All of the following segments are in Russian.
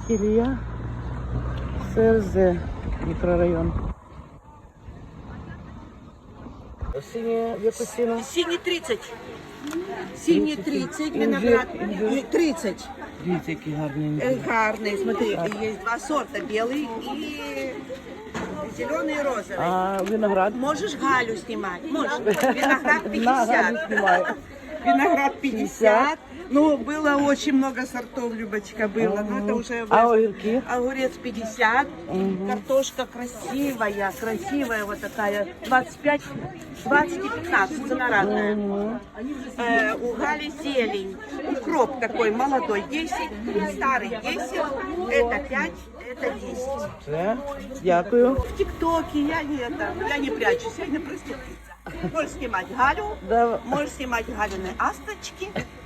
Ілія, СРЗ, мікрорайон. Сині яку ціну? Синий 30. Синий 30, виноград 30. Дивіться, які гарні. Гарный, смотри, есть два сорта, белый и зеленый и розовый. А виноград? Можешь Галю снимать? Можешь. Виноград На Галю 50. знімаю. Виноград 50. Ну, было очень много сортов, Любочка, было. Но это уже... А огірки? Огурец 50. Картошка красивая, красивая вот такая. 25, 20 и 15. Цена разная. У Гали зелень. Укроп такой молодой 10. Старый 10. Это 5. Это 10. Все, дякую. В ТикТоке я не прячусь, я не проститутка. Можешь снимать Галю, Да. можешь снимать Галины асточки.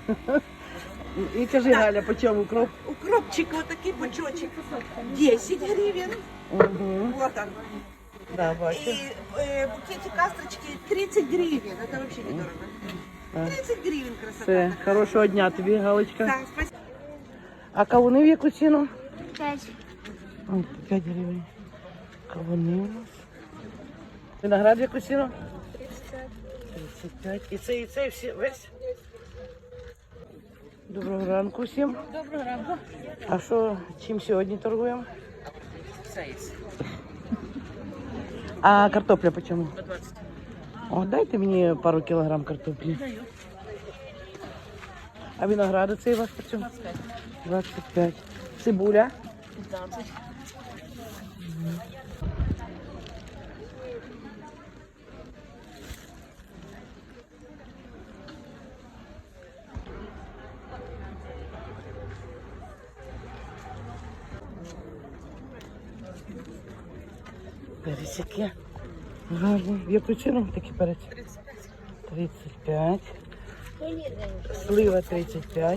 І кажи, Галя, по чому укроп? Укропчик вот такой пучочек 10 гривен. Вот он. Да, бачу. И букетик асточки 30 гривен. Это вообще недорого. 30 гривен красота. Все, такая. хорошого дня тобі, Галочка. Да, спасибо. А кавуни в яку ціну? 5. 5 гривень. Кавуни у нас. Виноград в яку ціну? 35. І це всі весь? Доброго ранку всім. Доброго ранку. А що, чим сьогодні торгуємо? А картопля по чому? 20. О, дайте мені пару кілограм картоплі. Даю. А виногради цей у вас по чому? 25. 25. Цибуля? 15. Перець які гарні. В яку ціну такі перець? 35. Слива 35.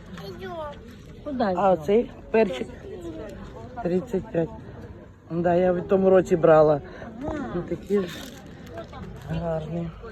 А оцей перчик 35. Да, я в тому році брала. Ну, такі ж гарні.